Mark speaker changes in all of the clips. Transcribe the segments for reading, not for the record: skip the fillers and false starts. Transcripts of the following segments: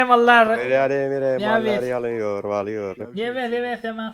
Speaker 1: Mallar.
Speaker 2: Emir emire mallar
Speaker 1: Evet.
Speaker 2: yalıyor valıyor.
Speaker 1: Evet tamam.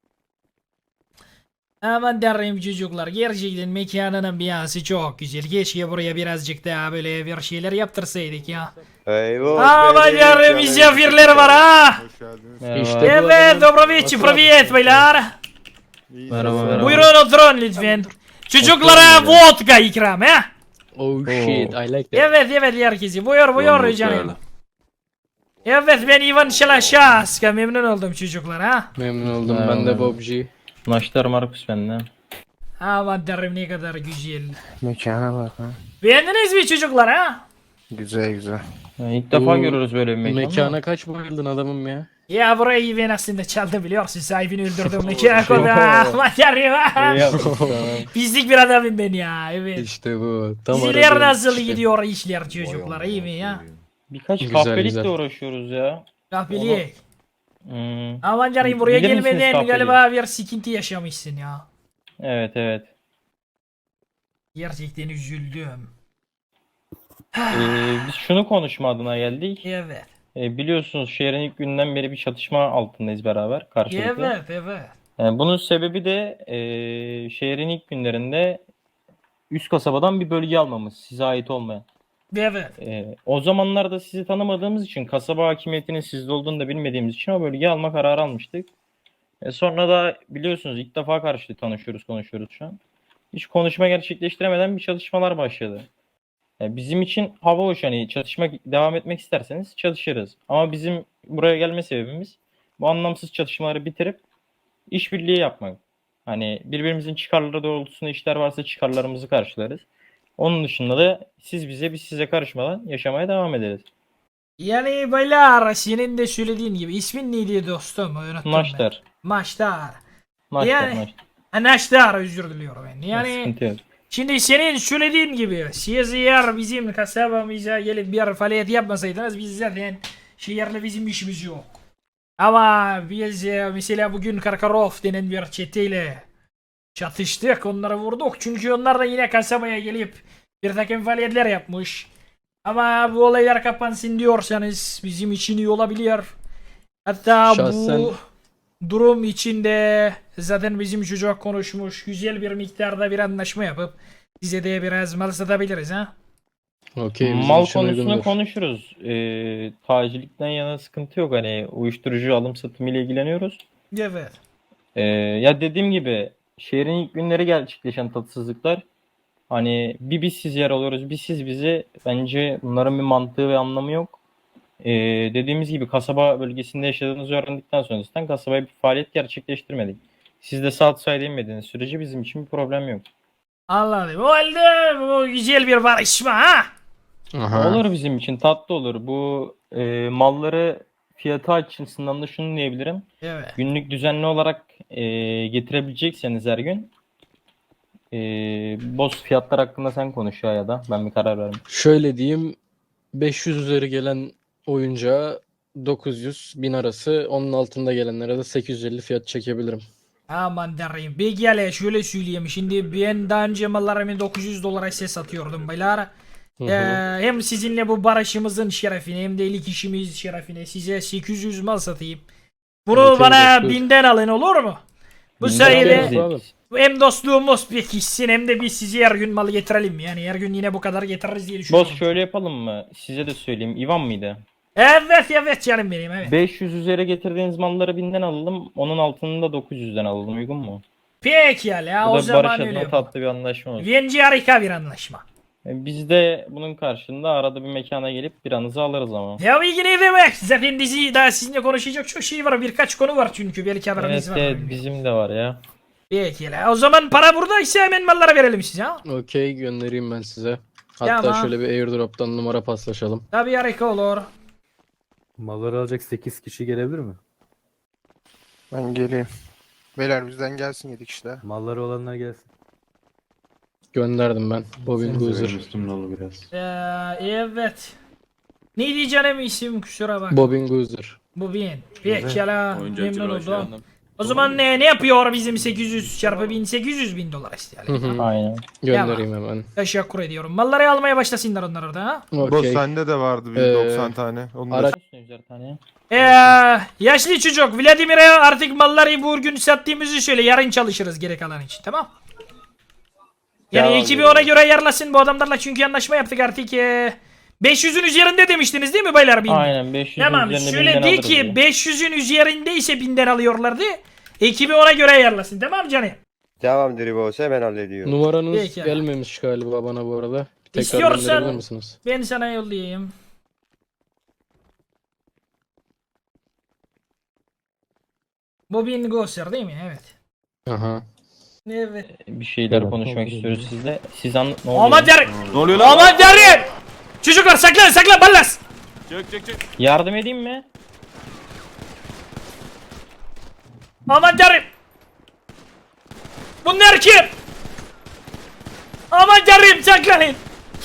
Speaker 1: Aman derim çocuklar, gerçekten mekanın ambiyansı çok güzel. Keşke buraya birazcık daha böyle bir şeyler yaptırsaydık ya.
Speaker 2: Eyvah
Speaker 1: Aman
Speaker 2: benim
Speaker 1: derim
Speaker 2: canım
Speaker 1: misafirler
Speaker 2: çocuk.
Speaker 1: var ha.
Speaker 3: Hoş geldiniz.
Speaker 4: Merhaba.
Speaker 1: Evet, dobrovici, привет beyler.
Speaker 3: İyi
Speaker 4: Merhaba,
Speaker 3: sesler.
Speaker 4: merhaba.
Speaker 1: Buyurun oturun lütfen. Çocuklara
Speaker 4: Oturun böyle.
Speaker 1: vodka ikram ha.
Speaker 4: Oh shit, I like that.
Speaker 1: Evet herkesi. Buyur canım. Evet ben Ivan Şalaşaska, memnun oldum çocuklar ha.
Speaker 4: Memnun oldum. Ben de Bobji.
Speaker 5: Naştar Markus bende.
Speaker 1: Aman derim ne kadar güzel.
Speaker 2: Mekana bak ha.
Speaker 1: Beğendiniz mi çocuklar ha?
Speaker 2: Güzel.
Speaker 5: İlk defa
Speaker 4: Bu
Speaker 5: görüyoruz böyle bir mekan.
Speaker 4: Mekana kaç bayıldın adamım ya?
Speaker 1: Ya burayı ben aslında çaldım biliyorsun, sahibini öldürdüm mekana koydum. Aman derim ha. Pislik bir adamım ben ya, evet.
Speaker 4: İşte bu. Tam
Speaker 1: Sizler
Speaker 4: aradığım
Speaker 1: nasıl
Speaker 4: kişi.
Speaker 1: gidiyor işler çocuklar, iyi mi ya?
Speaker 5: Birkaç
Speaker 4: Güzel,
Speaker 5: kahpelikle
Speaker 4: güzel.
Speaker 5: uğraşıyoruz ya.
Speaker 1: Kahpeliye.
Speaker 5: Hmm.
Speaker 1: Aman canım buraya
Speaker 5: Bilir misiniz
Speaker 1: gelmeden
Speaker 5: kahpeliği?
Speaker 1: galiba bir sıkıntı yaşamışsın ya.
Speaker 5: Evet.
Speaker 1: Gerçekten üzüldüm.
Speaker 5: Biz şunu konuşma adına geldik.
Speaker 1: Evet.
Speaker 5: Biliyorsunuz şehrin ilk günden beri bir çatışma altındayız beraber karşılıklı.
Speaker 1: Evet.
Speaker 5: Bunun sebebi de şehrin ilk günlerinde üst kasabadan bir bölge almamız, size ait olmayan.
Speaker 1: Evet.
Speaker 5: O zamanlarda sizi tanımadığımız için, kasaba hakimiyetinin sizde olduğunu da bilmediğimiz için o bölgeyi alma kararı almıştık. Sonra da biliyorsunuz ilk defa konuşuyoruz şu an. Hiç konuşma gerçekleştiremeden bir çalışmalar başladı. Bizim için hava hoş, hani çalışmak devam etmek isterseniz çalışırız. Ama bizim buraya gelme sebebimiz bu anlamsız çatışmaları bitirip işbirliği yapmak. Hani birbirimizin çıkarları doğrultusunda işler varsa çıkarlarımızı karşılarız. Onun dışında da siz bize, biz size karışmadan yaşamaya devam ederiz.
Speaker 1: Yani beyler senin de söylediğin gibi ismin neydi dostum? Unuttum ben.
Speaker 5: Naştar.
Speaker 1: Maçtar.
Speaker 5: Naştar,
Speaker 1: Yani-
Speaker 5: naştar.
Speaker 1: Naştar, özür diliyorum ben. Yani
Speaker 5: Sıkıntı yok.
Speaker 1: şimdi senin söylediğin gibi siz eğer bizim kasabamıza gelip bir faaliyet yapmasaydınız biz zaten şehirle bizim işimiz yok. Ama biz mesela bugün Karkarov denen bir çeteyle çatıştık, onları vurduk. Çünkü onlar da yine kasabaya gelip bir takım faaliyetler yapmış. Ama bu olaylar kapansın diyorsanız bizim için iyi olabilir. Hatta
Speaker 4: Şahsen-
Speaker 1: bu durum içinde zaten bizim çocuk konuşmuş, güzel bir miktarda bir anlaşma yapıp size de biraz mal satabiliriz ha.
Speaker 4: Okey, bizim
Speaker 5: Mal
Speaker 4: için
Speaker 5: konusunu
Speaker 4: uygundur.
Speaker 5: konuşuruz. Tacirlikten yana sıkıntı yok. Hani uyuşturucu alım satımı ile ilgileniyoruz.
Speaker 1: Evet.
Speaker 5: Ya dediğim gibi şehrin ilk günleri gerçekleşen tatsızlıklar, hani bir biz siz yer alıyoruz, bir siz bizi, bence bunların bir mantığı ve anlamı yok. Dediğimiz gibi kasaba bölgesinde yaşadığınızı öğrendikten sonra zaten kasabaya bir faaliyet gerçekleştirmedik. Siz de saat sayı inmediğiniz sürece bizim için bir problem yok.
Speaker 1: Anladım. O halde bu güzel bir barışma ha.
Speaker 4: Aha.
Speaker 5: Olur, bizim için tatlı olur. Bu malları fiyatı açısından da şunu diyebilirim.
Speaker 1: Evet.
Speaker 5: Günlük düzenli olarak getirebilecekseniz her gün boz fiyatlar hakkında sen konuş ya da ben bir karar vermem.
Speaker 4: Şöyle diyeyim, 500 üzeri gelen oyuncağa 900-1000 arası, onun altında gelenlere de 850 fiyat çekebilirim.
Speaker 1: Aman derim. Peki hele şöyle söyleyeyim. Şimdi ben daha önce mallarımı 900 dolara size satıyordum beyler.
Speaker 4: Hı hı.
Speaker 1: Hem sizinle bu barışımızın şerefine hem de ilk işimiz şerefine size 800 mal satayım. Bunu
Speaker 4: Okey,
Speaker 1: bana
Speaker 4: dostum.
Speaker 1: 1000'den alın, olur mu? Bu
Speaker 5: Binden
Speaker 1: sayede
Speaker 5: alırız
Speaker 4: Abi.
Speaker 5: ilk.
Speaker 1: hem dostluğumuz pekişsin hem de biz size her gün malı getirelim. Yani her gün yine bu kadar getiririz diye düşünüyorum.
Speaker 5: Boz şöyle yapalım mı? Size de söyleyeyim. İvan mıydı?
Speaker 1: Evet canım benim, evet.
Speaker 5: 500 üzeri getirdiğiniz malları 1000'den alalım. Onun altını da 900'den alalım. Uygun mu?
Speaker 1: Peki ya
Speaker 5: Bu
Speaker 1: o
Speaker 5: da
Speaker 1: zaman
Speaker 5: barış
Speaker 1: öyle
Speaker 5: adına
Speaker 1: yapalım.
Speaker 5: tatlı bir anlaşma olsun.
Speaker 1: Bence harika bir anlaşma.
Speaker 5: Biz de bunun karşılığında arada bir mekana gelip biranızı alırız ama.
Speaker 1: Ya iyi ne demek? Zaten dizi daha sizinle konuşacak çok şey var. Birkaç konu var çünkü belki haberiniz var.
Speaker 5: Evet, bizim de var ya.
Speaker 1: Peki la. O zaman para buradaysa hemen mallara verelim size ha.
Speaker 4: Okey, göndereyim ben size. Hatta
Speaker 1: Tamam.
Speaker 4: şöyle bir airdrop'tan numara paslaşalım.
Speaker 1: Tabii harika olur.
Speaker 6: Malları alacak 8 kişi gelebilir mi?
Speaker 2: Ben geleyim. Beyler bizden gelsin 7 kişi de.
Speaker 6: Malları olanlar gelsin.
Speaker 4: Gönderdim ben. Bobin Goozer.
Speaker 7: Üstümün dolu biraz.
Speaker 1: Evet. Neydi canım isim, kusura bak.
Speaker 4: Bobin Goozer.
Speaker 1: Bu bien. Peki la.
Speaker 7: Oyuncakçı
Speaker 1: Memnun
Speaker 7: Raşi
Speaker 1: oldum.
Speaker 7: Hanım.
Speaker 1: O zaman ne yapıyor bizim 800 çarpı 1000 800 bin dolar işte
Speaker 4: Hı
Speaker 1: yani.
Speaker 4: hı.
Speaker 5: Aynen.
Speaker 4: Göndereyim hemen.
Speaker 1: Teşekkür ediyorum. Malları almaya başlasınlar onlar orada ha.
Speaker 2: Boss
Speaker 4: Okey.
Speaker 2: sende de vardı bir
Speaker 4: Ee,
Speaker 2: 90 tane. Onu da
Speaker 4: araç-
Speaker 5: Yüzer tane.
Speaker 1: Yaşlı çocuk Vladimir'e artık malları bugün sattığımızı söyle. Yarın çalışırız geri kalan için tamam. Yani
Speaker 3: Tamam,
Speaker 1: ekibi
Speaker 3: dedim.
Speaker 1: ona göre ayarlasın bu adamlarla çünkü anlaşma yaptık artık. 500'ün üzerinde demiştiniz değil mi baylar? 1000?
Speaker 5: Aynen 500
Speaker 1: Tamam
Speaker 5: üzerine
Speaker 1: şöyle
Speaker 5: 1000'den
Speaker 1: de
Speaker 5: alırız
Speaker 1: ki
Speaker 5: diye.
Speaker 1: 500'ün üzerindeyse 1000'den alıyorlardı. Ekibi ona göre ayarlasın tamam canım.
Speaker 3: Tamamdır boss, hemen hallediyorum.
Speaker 4: Numaranız
Speaker 1: Peki.
Speaker 4: gelmemiş galiba bana bu arada. Tekrar
Speaker 1: İstiyorsan-
Speaker 4: gönderebilir misiniz?
Speaker 1: Ben sana yollayayım. Bu bir Gosser değil mi? Evet.
Speaker 4: Aha.
Speaker 1: Evet.
Speaker 5: Bir şeyler konuşmak istiyoruz sizle. Siz ne oluyor?
Speaker 1: Aman derim.
Speaker 7: Ne oluyor lan?
Speaker 1: Aman derim. Çocuklar saklan ballas.
Speaker 7: Çök.
Speaker 5: Yardım edeyim mi?
Speaker 1: Aman derim. Bunlar kim? Aman derim saklanın.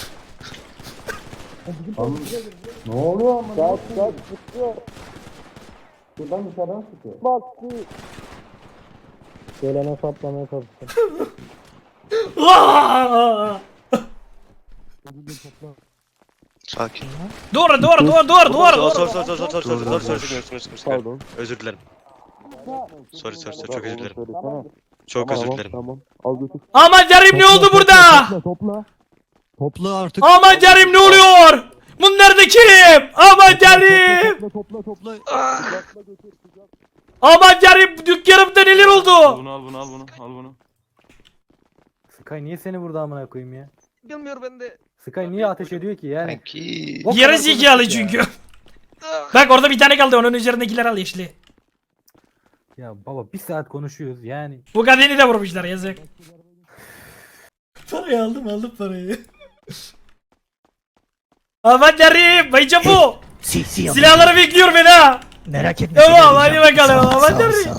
Speaker 4: Gelene saplamaya çalıştım.
Speaker 1: Aa!
Speaker 8: Sakin.
Speaker 1: Doğru.
Speaker 8: Pardon. Özür dilerim. Sorry, çok özür dilerim. Çok özür dilerim.
Speaker 3: Tamam. Al götür.
Speaker 1: Aman derim ne oldu burada?
Speaker 9: Topla artık.
Speaker 1: Aman derim ne oluyor? Bunlar da kim? Aman derim.
Speaker 9: Topla.
Speaker 1: Aman derim dükkanımda neler
Speaker 7: Al
Speaker 1: oldu?
Speaker 7: bunu al bunu.
Speaker 6: Sky niye seni burada amına koyayım ya?
Speaker 8: Bilmiyorum ben de.
Speaker 6: Sky niye ateş ediyor ki yani?
Speaker 8: Sanki.
Speaker 6: O
Speaker 1: Geri
Speaker 6: kadar
Speaker 1: zekalı
Speaker 6: konuştuk ya.
Speaker 1: çünkü. Bak orada bir tane kaldı onun üzerindekiler al yeşili.
Speaker 6: Ya baba bir saat konuşuyoruz yani.
Speaker 1: Bu kadını da vurmuşlar yazık. Parayı aldım parayı. Aman derim bayca bu. Silahları bekliyor beni ha.
Speaker 9: Merak etme.
Speaker 1: Tamam hadi bakalım aman derim.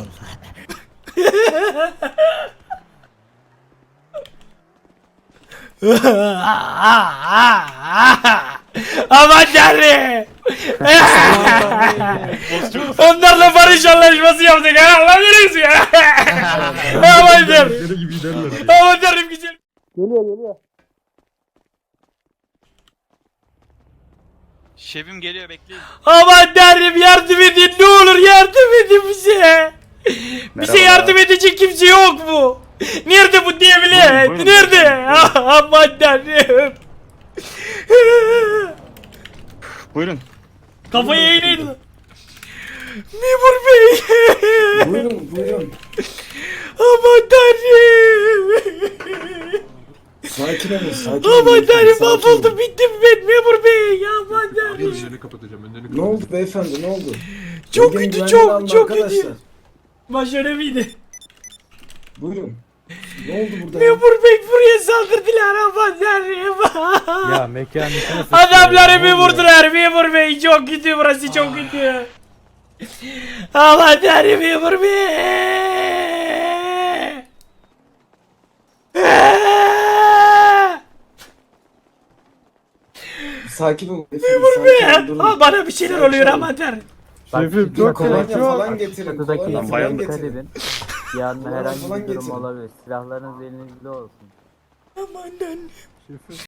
Speaker 1: Aman derim. Onlarla barış anlaşması yaptık ha. Lan neresi ya? Aman derim. Aman derim güzel.
Speaker 7: Şefim geliyor bekleyin.
Speaker 1: Aman derim yardım edin ne olur yardım edin bize. Bize yardım edecek kimse yok mu? Nerede bu devlet?
Speaker 7: Buyurun,
Speaker 1: Nerede? Aman derim.
Speaker 7: Buyurun.
Speaker 1: Kafayı eğneyin. Memur bey.
Speaker 10: Buyurun.
Speaker 1: Aman tanrım.
Speaker 10: Sakin olun.
Speaker 1: Aman tanrım mahvoldum bittim ben memur bey. Aman tanrım.
Speaker 10: Ne oldu beyefendi, ne oldu?
Speaker 1: Çok
Speaker 10: Bölgenin
Speaker 1: kötü
Speaker 10: güvenliğini alın
Speaker 1: çok
Speaker 10: arkadaşlar.
Speaker 1: kötü. Başarı mıydı?
Speaker 10: Buyurun. Ne oldu burada ya?
Speaker 1: Memur bey buraya saldırdılar aman tanrım.
Speaker 6: Ya mekanın içine sıçtı
Speaker 1: Adamları
Speaker 6: ya,
Speaker 1: bir
Speaker 6: ne oluyor?
Speaker 1: vurdular memur bey çok kötü burası çok kötü. Aman tanrım memur bey.
Speaker 10: Sakin olun beyefendi, sakin olun. Durun.
Speaker 1: Aa, bana bir şeyler
Speaker 10: Sakin
Speaker 1: oluyor
Speaker 10: olun.
Speaker 1: aman tanrım.
Speaker 6: Şefim
Speaker 10: Bir kolonya falan getirin. Kolonya falan
Speaker 7: dikkat
Speaker 10: getirin.
Speaker 11: Yarın
Speaker 10: Kolonya
Speaker 11: herhangi
Speaker 10: falan
Speaker 11: bir durum
Speaker 10: getirin.
Speaker 11: olabilir. Silahlarınız elinizde olsun.
Speaker 1: Aman tanrım.